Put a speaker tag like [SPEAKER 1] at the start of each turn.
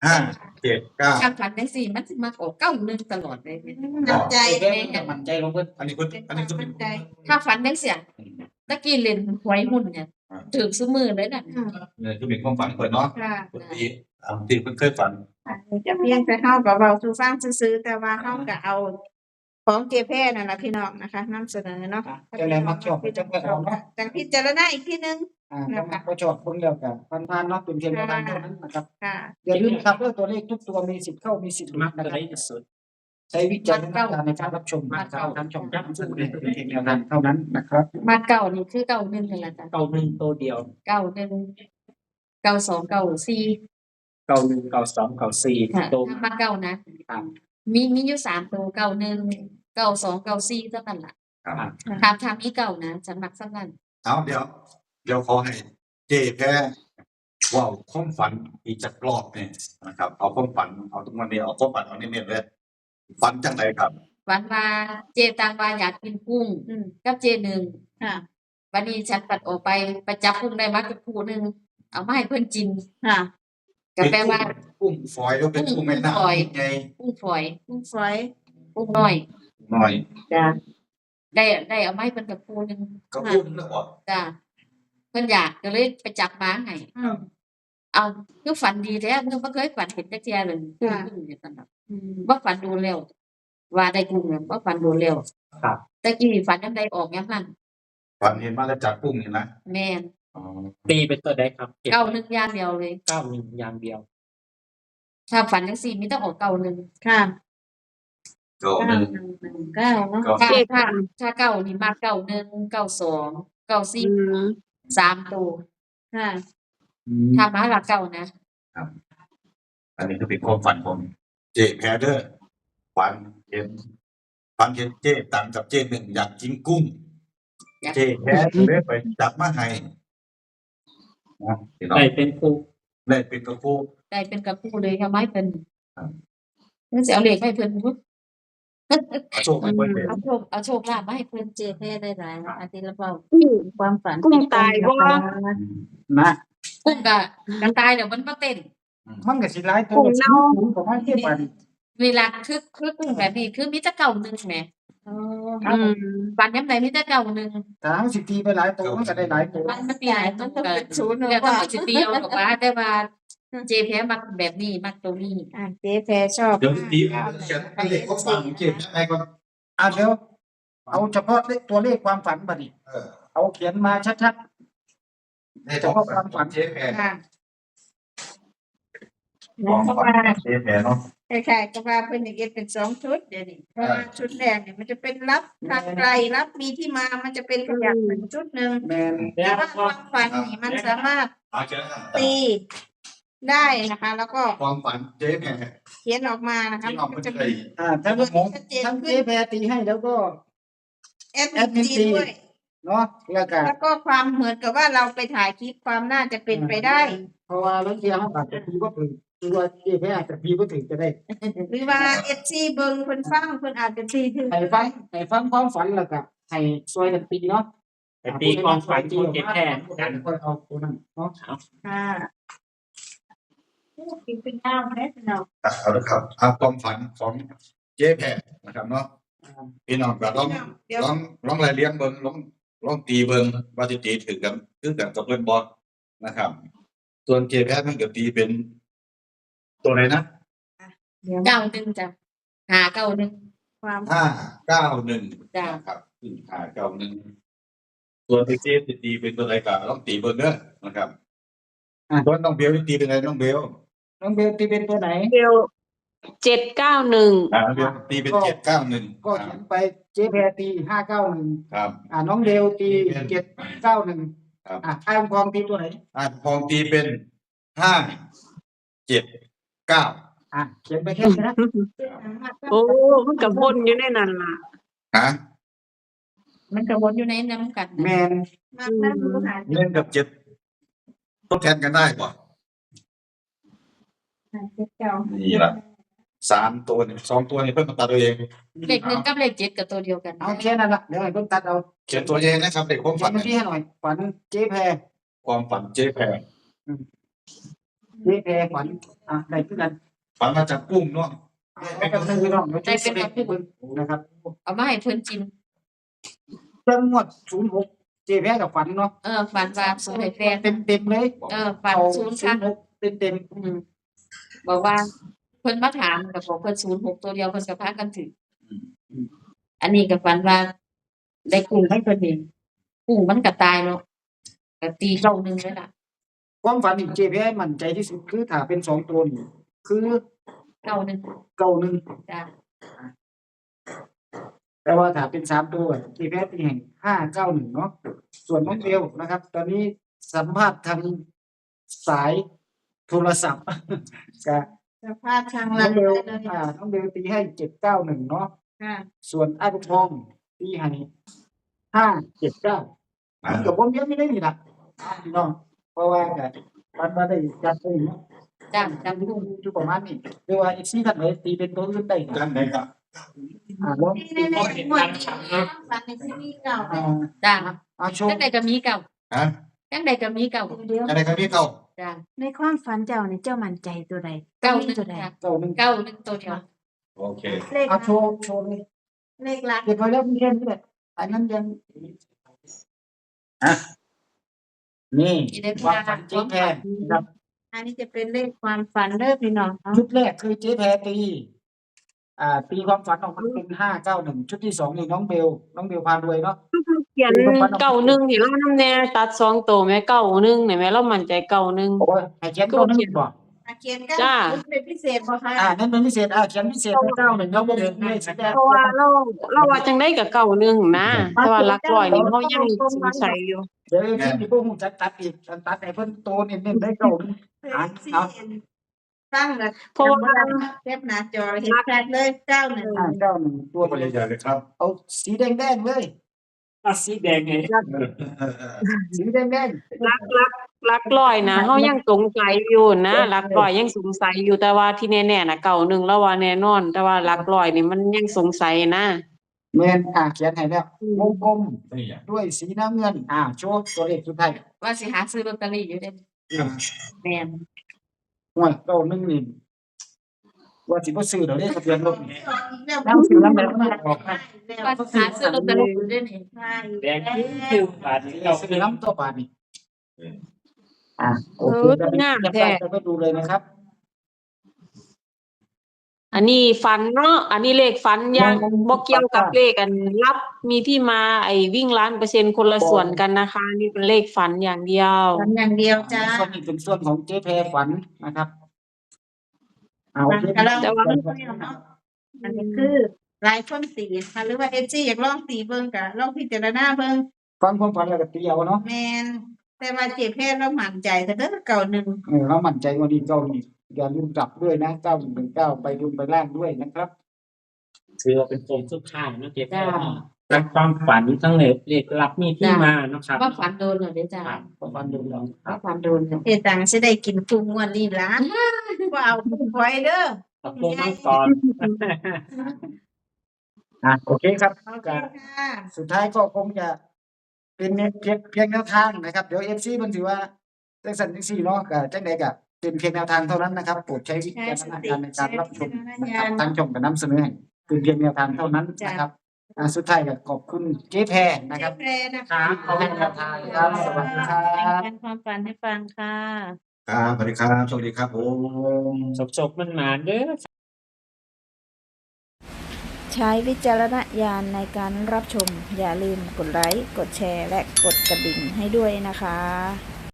[SPEAKER 1] 5 7 9
[SPEAKER 2] การฝันได้สี่มันสิมาออก91ตลอดเลย
[SPEAKER 3] น้ำใจ
[SPEAKER 4] แม่มันใจลงเพิ่น
[SPEAKER 1] อันนี้คุณอันนี้คุณ
[SPEAKER 3] มั่นใจ
[SPEAKER 2] ถ้าฝันได้เสียตะกี้เล่นหวยหุ้นเนี่ยถึงซุมือเลยน่ะ
[SPEAKER 1] เนี่ยคือเป็นความฝันเปิดเนาะ
[SPEAKER 3] ค่ะ
[SPEAKER 1] คุณตีที่เพิ่งเคยฝัน
[SPEAKER 3] จะเพียงแต่เฮาก็เว้าสู่ฟังซื่อๆแต่ว่าเฮาก็เอาของเจแพนั่นล่ะพี่น้องนะคะนำเสนอเนาะ
[SPEAKER 4] เจ้าแล้วมักชอบจังเพิ่นเอาเนาะ
[SPEAKER 3] จังพิจารณาอีกทีนึง
[SPEAKER 4] แล้วมักบ่ชอบเพิ่นแล้วก็ผ่านๆเนาะเป็นเพียงแนวทางเท่านั้นนะครับ
[SPEAKER 3] ค่ะ
[SPEAKER 4] อย่าลืมนะครับว่าตัวเลขทุกตัวมีสิทธิ์เข้ามีสิทธิ์หลุ
[SPEAKER 5] มั
[SPEAKER 4] ด
[SPEAKER 5] ก
[SPEAKER 4] นะ
[SPEAKER 5] ตัว
[SPEAKER 4] ครั
[SPEAKER 5] ได้
[SPEAKER 4] บ
[SPEAKER 5] สุด
[SPEAKER 4] ใช้วิจารณญาณในการรับชมทางช่องย้ำซึ่งเป็นเพียงแนวทางเท่านั้นนะครับ
[SPEAKER 2] มาเก่านี่คือ91นั่นแหละจ้ะ
[SPEAKER 5] เก้าหนึ่งตัวเดียว
[SPEAKER 2] 91 92 94
[SPEAKER 5] เก้าหนึ่งเก้าสองเก้าสี่
[SPEAKER 2] ค่ะ
[SPEAKER 5] ตัว
[SPEAKER 2] ถ้ามาเก่านะครับ มีอยู่3ตัว91 92 94เท่านั้นล่ะ
[SPEAKER 1] ครับ
[SPEAKER 2] ถามอีเก่านะฉันมักซ้ำนั้น
[SPEAKER 1] เอาเดี๋ยวขอให้เจ๊แพ้ว่าความฝันอีกจักรอบเนี่ยนะครับเอาความฝันเอาตรงวันนี้เอาความฝันเอาเน้นๆเลยฝันจังไรครับ
[SPEAKER 2] ฝันว่าเจตังว่าอยากกินกุ้งกับเจหนึ่ง
[SPEAKER 3] ค่ะ
[SPEAKER 2] วันนี้ฉันปัดออกไปจับกุ้งได้มากับผู้หนึงเอามาให้เพิ่นกิน
[SPEAKER 3] ค่ะ
[SPEAKER 2] ก็แปลว่า
[SPEAKER 1] กุ้งฝอยแล้วเป็นกุ้งแม่น้ำไง
[SPEAKER 2] กุ้งฝอย
[SPEAKER 3] คุณฝอย
[SPEAKER 2] กุ้งน้อย
[SPEAKER 1] หน่อย
[SPEAKER 2] จ้ะได้เอามาให้เพิ่นกับผู้หนึง
[SPEAKER 1] ก็กุ้งแล้วบ่
[SPEAKER 2] จ้ะเพิ่นอยากก็เลยไปจับมาให้ เอาคือฝันดีแท้เพิ่นบ่เคยฝันเห็นจักเที่ยเลยกุ้งเนี่ยซั่นน่ะบ่ฝันดูแล้วว่าได้กุ้งเนี่ยบ่ฝันดูแล้ว
[SPEAKER 5] ครับ
[SPEAKER 2] แต่กี้ฝันยามใดออกยามนั้น
[SPEAKER 1] ฝันเห็นมาแล้วจับกุ้งนี่นะ
[SPEAKER 2] แม่น
[SPEAKER 1] อ๋อ
[SPEAKER 5] ตีเป็นตัวได้ครับ
[SPEAKER 2] 91อย่างเดียวเลย
[SPEAKER 5] เก้าหนึ่งอย่างเดียว
[SPEAKER 2] ถ้าฝันจังซี่มีแต่ออก91
[SPEAKER 3] ค่ะ
[SPEAKER 1] ก็หนึ่ง
[SPEAKER 3] 9เนาะ
[SPEAKER 1] ก็
[SPEAKER 2] ถ้าเก้านี่มัก91 92 94 3ตัว
[SPEAKER 3] ค่ะ
[SPEAKER 2] ถ้ามาหลักเก้านะ
[SPEAKER 1] อันนี้คือเป็นความฝันของเจ๊แพ้เด้อฝันเห็นเจ๊ตังกับเจ๊หนึ่งอยากกินกุ้ง เจ๊แพ้เลยไปจับมาให้นะพี่น้อง
[SPEAKER 5] ได้เป็นครู
[SPEAKER 1] ได้เป็นกระโปง
[SPEAKER 2] ได้เป็นกับผู้เลยค่ะไม้เพิ่น
[SPEAKER 1] ครับ
[SPEAKER 2] นึกสิเอาเลขให้เพิ่นพุ
[SPEAKER 1] เอาโชคให้เพิ่นเด้อ
[SPEAKER 2] เอาโชคลาภมาให้เพิ่นเจแพ้ได้หลายอาทิตย์ละเปล่า
[SPEAKER 3] ความฝัน
[SPEAKER 6] กุ้งตายบ่
[SPEAKER 4] นะ
[SPEAKER 2] กุ้งก็ตายเดี๋ยวมันบ่เต้น
[SPEAKER 4] มันก็สิหลายตัว
[SPEAKER 6] กุ้งเน่า
[SPEAKER 4] ของมันเทียบกัน
[SPEAKER 2] เวลาคือกุ้งแบบนี้คือมีแต่เก่าหนึงแหม ฝันยามใดมีแต่เก่าหนึง
[SPEAKER 4] ถ้าเฮาสิตีไปหลายตัวมันก็ได้หลายตัว
[SPEAKER 2] มันตีหลายมันก็เป็นศูนย์แล้วก็สิตีเอาดอกว่าแต่ว่าเจแพ้มักแบบนี้มักตัวนี้
[SPEAKER 3] เจ๊แพรชอบ
[SPEAKER 1] เดี๋ยวตีเขียนเป็นเลขความฝันของเจ๊แพ้ให้ก่อน
[SPEAKER 4] เดี๋ยวเอาเฉพาะตัวเลขความฝันบัดนี้
[SPEAKER 1] เออ
[SPEAKER 4] เอาเขียนมาชัด
[SPEAKER 1] ให้เฉพาะความฝันเจ๊แพ้
[SPEAKER 3] ค่ะ
[SPEAKER 1] ความฝันของเจ๊แพ้เนาะ
[SPEAKER 3] คล้ายๆกับว่าเพิ่นจะเก็บเป็น2ชุดเดี๋ยวนี้เพราะว่าชุดแรกเนี่ยมันจะเป็นรับทางไกลรับมีที่มามันจะเป็นขยักเป็นชุดหนึง
[SPEAKER 4] ๆแมน
[SPEAKER 3] แต่ว่าความฝันนี่มันสามารถ
[SPEAKER 1] เอาเขียน
[SPEAKER 3] ตีได้นะคะ แล้วก็
[SPEAKER 1] ความฝันเจ๊แพ้
[SPEAKER 3] เขียนออกมานะคะ
[SPEAKER 1] ที่ออก
[SPEAKER 3] มั
[SPEAKER 1] มาน
[SPEAKER 3] จะ
[SPEAKER 1] เล
[SPEAKER 3] มี
[SPEAKER 1] ย
[SPEAKER 4] ทั้งผมทั้งเจ๊แพรตีให้แล้วก็
[SPEAKER 3] แอดมินตีด้วย
[SPEAKER 4] เนาะแล้วก็
[SPEAKER 3] แล้วก็ความเหมือนกับว่าเราไปถ่ายคลิปความน่าจะเป็นไปได้
[SPEAKER 4] เพราะว่าบางทีเขาอาจจะตีบ่ถึงตัวเจ๊แพรอาจจะตีบ่ถึงก็ได้
[SPEAKER 3] หรือว่า FC เบิ่งเพิ่นฟังเพิ่นอาจจะตีถึง
[SPEAKER 4] ให้ฟังความฝันแล้วก็ให้ช่วยกันตีเนาะ
[SPEAKER 5] ไปตีความฝันของเจ็บแค่กัน
[SPEAKER 4] ค่อยเอาตัวนั้นเนาะ
[SPEAKER 3] ค่ะกินเป็นข้าวแม่เนาะ
[SPEAKER 1] เอาละครับเอาความฝันของเจ๊แพ้นะครับเนาะพี่น้องก็ลอง
[SPEAKER 3] เดี๋ยว
[SPEAKER 1] ลองรายเลี้ยงเบิ่งลองตีเบิ่งว่าสิตีถึงกันคือกันกับเพิ่นบ่นะครับ ส่วนเจ๊แพ้มันก็ตีเป็นตัวไหนนะ
[SPEAKER 2] 91จ้ะ591
[SPEAKER 3] ความ
[SPEAKER 1] 591
[SPEAKER 2] จ้ะ
[SPEAKER 1] นะครับ591ส่วนที่เจ๊สิตีเป็นตัวไหนก็ลองตีเบิ่งเด้อนะครับส่วนน้องเบลนี่ตีเป็นไงน้องเบล
[SPEAKER 4] น้องเบลตีเป็นตัวไหน
[SPEAKER 6] เดียว791
[SPEAKER 1] น้องเบลตีเป็น791
[SPEAKER 4] ก็เขียนไปเจ๊แพรตี591
[SPEAKER 1] ครับ
[SPEAKER 4] น้องเบลตี791
[SPEAKER 1] ครับ
[SPEAKER 4] ไอ้องค์กรตีตัวไหน
[SPEAKER 1] พองตีเป็น579
[SPEAKER 4] เขียนไปแค่นี้นะ
[SPEAKER 6] โอ้มันก็วนอยู่ในนั้นล่ะ
[SPEAKER 1] ฮะ
[SPEAKER 2] มันก็วนอยู่ในน้ำกัน
[SPEAKER 4] แม
[SPEAKER 2] นะ
[SPEAKER 4] น
[SPEAKER 3] มานั่งดูหา
[SPEAKER 1] เล่นกับ7ทดแทนกันได้ป่ะ
[SPEAKER 3] เจ้า
[SPEAKER 1] นี่ล่ะ3ตัวนี่2ตัวนี่เพิ่นมาตัดเอาเอง
[SPEAKER 2] เลข1กับเลข7ก็ตัวเดียวกัน
[SPEAKER 4] เอาแค่นั้นละเดี๋ยวให้เพิ่นตัดเอา
[SPEAKER 1] เขียนตัวเองนะครับเด็กความ
[SPEAKER 4] เขีย
[SPEAKER 1] ฝั
[SPEAKER 4] น
[SPEAKER 1] น
[SPEAKER 4] เมื่อกี้ให้หน่อยฝันเจ๊แพร
[SPEAKER 1] ความฝันเจ๊แพร
[SPEAKER 4] เจ๊แพรขวัญได้คือกัน
[SPEAKER 1] ฝันมาจับกุ้งเนาะ
[SPEAKER 4] ได้กับนึงพี่น้องเดี๋ยวจะเสด็จเบิ่งนะครับ
[SPEAKER 2] เอามาให้เพิ่นกิน
[SPEAKER 4] เรื่องงวด06เจ๊แพรกับฝันเนาะ
[SPEAKER 2] ฝันว่าสูให้แฟน
[SPEAKER 4] เต็มเลย
[SPEAKER 2] ฝันศูนย์ค่ะ
[SPEAKER 4] 06เต็ม
[SPEAKER 2] บอกว่าเพิ่นมาถามก็บอกเพิ่น06ตัวเดียวเพิ่นก็พากันถืออันนี้ก็ฝันว่าได้กุ้งให้เพิ่นเองกุ้งมันก็ตายเนาะก็ตีเก้าหนึ่งเลยล่ะ
[SPEAKER 4] ๆความฝันนี่เจ๊แพรมั่นใจที่สุดคือถ้าเป็น2ตัวนี่คือ
[SPEAKER 2] เก้าหนึ่ง
[SPEAKER 4] 91
[SPEAKER 2] จ้ะ
[SPEAKER 4] แต่ว่าถ้าเป็น3ตัวเจ๊แพรตีให้591เนาะส่วนน้องเบลนะครับ ตอนนี้สัมภาษณ์ทางสายโทรศัพท์ ก็
[SPEAKER 3] สภาพทาง
[SPEAKER 4] น้
[SPEAKER 3] เรา
[SPEAKER 4] องเบล
[SPEAKER 3] เลย
[SPEAKER 4] น้องเบลตีให้791เนาะ
[SPEAKER 3] ค่ะ
[SPEAKER 4] ส่วนอาบุญทองตีให้579มันกับผมเยอะไม่ได้นี่ล่ะพี่น้องเพราะว่าก็มันมาได้จัดเองเนาะ
[SPEAKER 2] จ้ะจำกุ้ง
[SPEAKER 4] อยู่ประมาณนี้หรือว่าอีก4ท่านไหนตีเป็นตัวอื่นได้
[SPEAKER 1] จันไหนครับ
[SPEAKER 4] ลอง
[SPEAKER 3] ในหมวดฝันในที่นี่เก่า
[SPEAKER 2] จ้ะ
[SPEAKER 4] โชว์
[SPEAKER 2] จังใดก็มีเก่า
[SPEAKER 1] ฮะ
[SPEAKER 2] จังใดก็มีเก่า
[SPEAKER 3] เดียว
[SPEAKER 1] จันไหนครับพี่เก่า
[SPEAKER 2] จ้ะ
[SPEAKER 3] ในความฝันเจ้านี่เจ้ามั่นใจตัวใด
[SPEAKER 2] เก้าหนึ่ง
[SPEAKER 3] ตัวใด
[SPEAKER 2] จ้ะ
[SPEAKER 4] เก้าหนึ่ง
[SPEAKER 2] เก้าหนึ่งตัวเดียว
[SPEAKER 1] โอเค
[SPEAKER 3] เลข
[SPEAKER 4] โชว์เลย
[SPEAKER 3] เลขหลัก
[SPEAKER 4] เรียบร้อยแล้วมีแค่นี้แหละอันนั้นยังนี่
[SPEAKER 2] ที่ได้พ
[SPEAKER 4] ความ
[SPEAKER 2] า
[SPEAKER 4] ฝันเจ๊แพรครับ
[SPEAKER 3] อันนี้จะเป็นเลขความฝันเด้อพี่น้องเนาะ
[SPEAKER 4] ชุดแรกคือเจ๊แพรตีความฝันออกมาเป็น591ชุดที่2นี่น้องเบลพารวยเนาะ
[SPEAKER 6] เขียนเก้าหนึ่งที่เรานำแน่ตัด2ตัวแม่เก้าหนึ่งนี่แม่เรามั่นใจเก้าหนึ่ง
[SPEAKER 4] โอ้ยให้เขียนเก้าหนึ่งบ่
[SPEAKER 3] เขียนกัน
[SPEAKER 6] จ้า
[SPEAKER 3] เป็นพิเศษบ่คะ
[SPEAKER 4] นั่นเป็นพิเศษเขียนพิเศษให้91แล้วบ่เห็นเลขสีแดง
[SPEAKER 6] เพราะว่าเราว่าจังได๋ก็เก้าหนึ่งนะแต่ว่าหลักร้อยนี่เรายังสงสัยอยู่
[SPEAKER 4] เดี๋ยวที่พวกหูจัดตัดอีกตัดให้เพิ่นโตเน้นๆได้เก้าหนึ่ง
[SPEAKER 3] เอาตั้งเลย
[SPEAKER 6] เพราะว่า
[SPEAKER 3] เก็บหน้าจอเห็นชัดเลย91
[SPEAKER 4] 91ตัว
[SPEAKER 1] ตัวใหญ่ๆเลยครับ
[SPEAKER 4] เอาสีแดงๆเลย
[SPEAKER 5] สีแดงไง
[SPEAKER 4] สีแดง
[SPEAKER 6] หลักร้อยนะเฮายังสงสัยอยู่นะหลักร้อยยังสงสัยอยู่แต่ว่าที่แน่ๆน่ะเก้าหนึ่งเราว่าแน่นอน แต่ว่าหลักร้อยนี่มันยังสงสัยนะ
[SPEAKER 4] ๆแม่นเขียนให้แล้ววงกลม
[SPEAKER 1] นี่อ่ะ
[SPEAKER 4] ด้วยสีน้ำเงินโชว์ตัวเลขสุดท้าย
[SPEAKER 2] ว่าสิหาซื้อลอตเตอรี่อยู่เด้แม่น
[SPEAKER 4] ห่วย91นี่ว่าสิบ่ซื้อดอกเด้ทะเบียนรถนี่
[SPEAKER 3] แล้ว
[SPEAKER 4] น้ำซื้อน้ำแบบมันออกนะ
[SPEAKER 2] ว่าสิหาซื้อลอตเตอรี่อยู่เด้นี่
[SPEAKER 5] แดงคิ้วบาทนี้เรา
[SPEAKER 4] ซื้อน้ำตัวบาทนี่โอเค
[SPEAKER 6] งาม
[SPEAKER 4] จะ
[SPEAKER 6] แท้
[SPEAKER 4] ไปดูเลยนะครับ
[SPEAKER 6] อันนี้ฝันเนาะอันนี้เลขฝันยังบ่เกี่ยวกับเลขอันรับมีที่มาไอ้วิ่งล้านเปอร์เซ็นต์คนละส่วนกันนะคะ นี่เป็นเลขฝันอย่างเดียว
[SPEAKER 3] ฝันอย่างเดียวจ้า
[SPEAKER 4] ส่วนนี้เป็นส่วนของเจ๊แพรฝันนะครับโอเค
[SPEAKER 6] แต่ว่า
[SPEAKER 3] อันนี้คือหลายคนตีค่ะหรือว่า FG อยากลองตีเบิ่งก็ลองพิจารณาเบิ่ง
[SPEAKER 4] ฟังความฝันแล้วก็ตีเอาเนาะ
[SPEAKER 3] แม่นแต่ว่าเจ็บแพทย์เรามั่นใจแต่เด้อเก่าหนึ่ง
[SPEAKER 4] เรามั่นใจว่าดีเก้านี่อย่าลืมกลับด้วยนะ9119ไปรุนไปล่างด้วยนะครับ
[SPEAKER 5] ถือว่าเป็นโซนสุดท้ายเนาะเจ๊แพรรักความฝันทั้งเลขลับมีที่มาเนาะครับ
[SPEAKER 2] ว่าฝันโดนเหรอเด้จ้า
[SPEAKER 4] ความฝันดูเรา
[SPEAKER 2] ว่าฝันโดนเหรอ
[SPEAKER 3] เฮ็ดตังสิได้กินคุ้มงวดนี้ล่ะบ่เอาคุ้มไว้เด้อ
[SPEAKER 5] ขอบคุณน้องกร
[SPEAKER 4] โอเคครับ
[SPEAKER 3] โอเคค่ะ
[SPEAKER 4] สุดท้ายก็คงจะเป็นเพียงแนวทางนะครับเดี๋ยว FC เพิ่นสิว่าจังซั่นจังซี่เนาะก็จังได๋ก็เป็นเพียงแนวทางเท่านั้นนะครับโปรดใช้วิจารณญาณในการรับชมนะครับทางช่องก็นำเสนอให้เป็นเพียงแนวทางเท่านั้นนะครับสุดท้ายก็ขอบคุณเจ๊แพรนะครับ
[SPEAKER 3] เจ็บแพทย์นะคะ
[SPEAKER 4] ขอบคุณแนวทางครับสวัสดีครับ
[SPEAKER 3] เป็นความฝันให้ฟังค่ะ
[SPEAKER 1] ครับสวัสดีครับสวัสดีครับผม
[SPEAKER 5] สกๆมันมาเด้อ
[SPEAKER 7] ใช้วิจารณญาณในการรับชม อย่าลืมกดไลค์ กดแชร์ และกดกระดิ่งให้ด้วยนะคะ